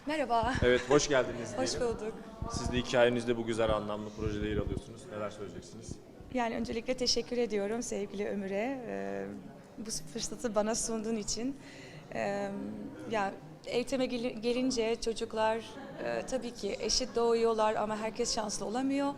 Merhaba. Evet, hoş geldiniz Hoş diyelim. bulduk. Siz de hikayenizde bu güzel anlamlı projede yer alıyorsunuz. Neler söyleyeceksiniz? Yani öncelikle teşekkür ediyorum sevgili Ömür'e. Bu fırsatı bana sunduğun için. Ya eğitime gelince çocuklar tabii ki eşit doğuyorlar ama herkes şanslı olamıyor.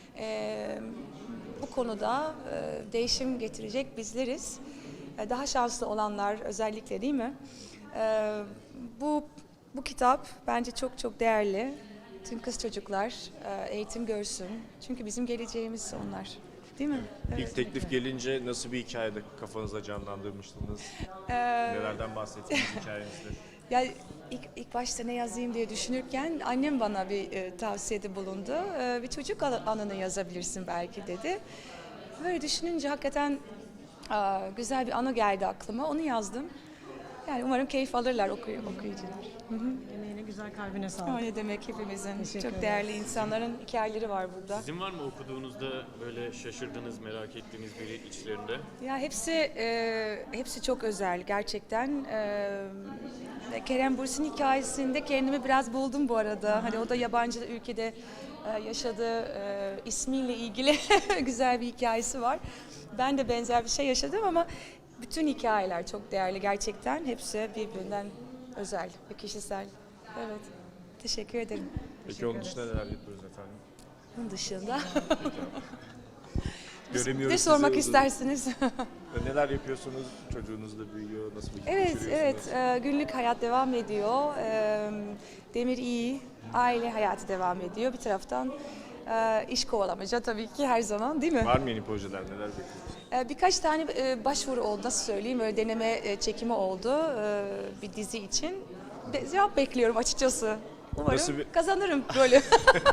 Bu konuda değişim getirecek bizleriz. Daha şanslı olanlar özellikle değil mi? Bu bu kitap bence çok çok değerli. Tüm kız çocuklar eğitim görsün. Çünkü bizim geleceğimiz onlar. Değil mi? İlk teklif gelince nasıl bir hikayede kafanızda canlandırmıştınız? Nelerden bahsettiniz hikayenizde? Ya ilk başta ne yazayım diye düşünürken annem bana bir tavsiyede bulundu. Bir çocuk anını yazabilirsin belki dedi. Böyle düşününce hakikaten güzel bir anı geldi aklıma. Onu yazdım. Yani umarım keyif alırlar okuyucular. Emeğine, güzel kalbine O sağlık. ne demek hepimizin. Teşekkür Çok ederiz. değerli insanların hikayeleri var burada. Sizin var mı okuduğunuzda böyle şaşırdığınız, merak ettiğiniz biri içlerinde? Ya hepsi çok özel gerçekten. Kerem Bürsin hikayesinde kendimi biraz buldum bu arada. Hani o da yabancı ülkede yaşadığı ismiyle ilgili güzel bir hikayesi var. Ben de benzer bir şey yaşadım ama bütün hikayeler çok değerli gerçekten. Hepsi birbirinden özel ve kişisel. Evet. Teşekkür ederim. Peki onun dışında neler yapıyoruz efendim? Bunun dışında Göremiyoruz ne sormak sizi. istersiniz? Neler yapıyorsunuz? Çocuğunuz da büyüyor. Nasıl bir Evet, geçiriyorsunuz? günlük hayat devam ediyor. Demir iyi, aile hayatı devam ediyor. Bir taraftan iş kovalamaca tabii ki her zaman değil mi? Var mı yeni projeler? Neler bekliyorsunuz? Birkaç tane başvuru oldu, nasıl söyleyeyim, böyle deneme çekimi oldu bir dizi için. Cevap bekliyorum açıkçası. Umarım Nasıl bir- kazanırım rolü.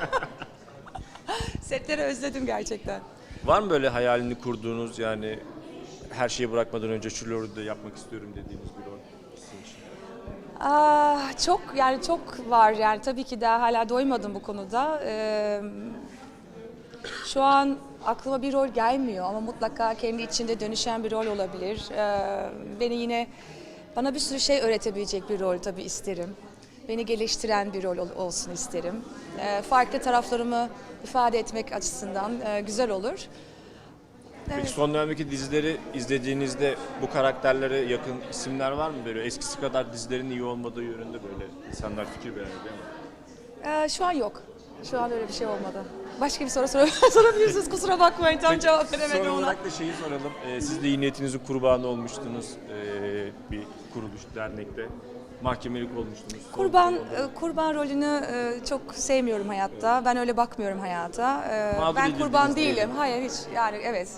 Setleri özledim gerçekten. Var mı böyle hayalini kurduğunuz yani her şeyi bırakmadan önce şu rolü de yapmak istiyorum dediğiniz bir rol sizin için? Çok var yani tabii ki daha hala doymadım bu konuda. Şu an aklıma bir rol gelmiyor ama mutlaka kendi içinde dönüşen bir rol olabilir. Bana bir sürü şey öğretebilecek bir rol tabii isterim. Beni geliştiren bir rol olsun isterim. Farklı taraflarımı ifade etmek açısından güzel olur. Peki son dönemdeki dizileri izlediğinizde bu karakterlere yakın isimler var mı? Böyle eskisi kadar dizilerin iyi olmadığı yönünde böyle insanlar fikir beğeniyor değil mi? Şu an yok. Şu an öyle bir şey olmadı. Başka bir soru sorabilirsiniz. Kusura bakmayın tam cevap veremedim Son ona. olarak da şeyi soralım. Siz de iyi niyetinizin kurbanı olmuştunuz bir kuruluş, dernekte. Mahkemelik olmuştunuz. Kurban rolünü çok sevmiyorum hayatta. Ben öyle bakmıyorum hayata. Mağdur Ben kurban edildiniz değilim. diyelim. Hayır hiç. Yani evet.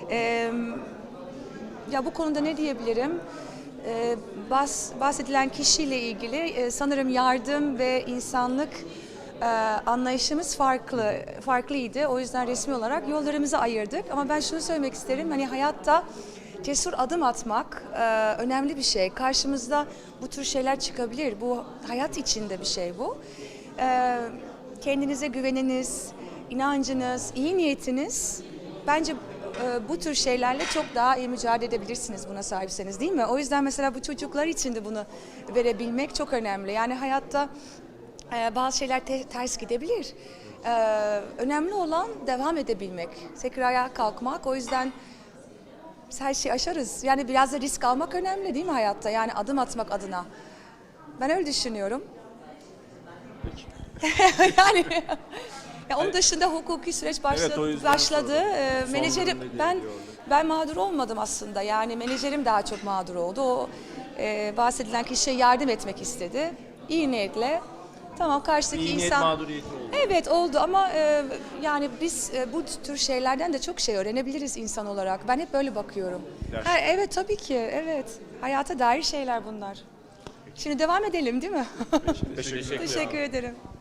Ya bu konuda ne diyebilirim? Bahsedilen kişiyle ilgili sanırım yardım ve insanlık anlayışımız farklıydı. O yüzden resmi olarak yollarımızı ayırdık. Ama ben şunu söylemek isterim. Hani hayatta cesur adım atmak önemli bir şey. Karşımızda bu tür şeyler çıkabilir. Bu hayat içinde bir şey bu. Kendinize güveniniz, inancınız, iyi niyetiniz bence bu tür şeylerle çok daha iyi mücadele edebilirsiniz buna sahipseniz değil mi? O yüzden mesela bu çocuklar için de bunu verebilmek çok önemli. Yani hayatta bazı şeyler ters gidebilir. Önemli olan devam edebilmek, tekrar ayağa kalkmak. O yüzden biz her şeyi aşarız. Yani biraz da risk almak önemli değil mi hayatta? Yani adım atmak adına. Ben öyle düşünüyorum. yani onun dışında hukuki süreç Evet, o yüzden başladı. sordum. Menajerim Son durumda ben diyordu. ben mağdur olmadım aslında. Yani menajerim daha çok mağdur oldu. O bahsedilen kişiye yardım etmek istedi. İyi niyetle. Tamam karşıdaki İyi niyet insan mağduriyeti oldu. evet oldu ama yani biz bu tür şeylerden de çok şey öğrenebiliriz insan olarak. Ben hep böyle bakıyorum. Gerçekten. Evet tabii ki evet. Hayata dair şeyler bunlar. Şimdi devam edelim değil mi? Teşekkür ederim. Teşekkür ederim.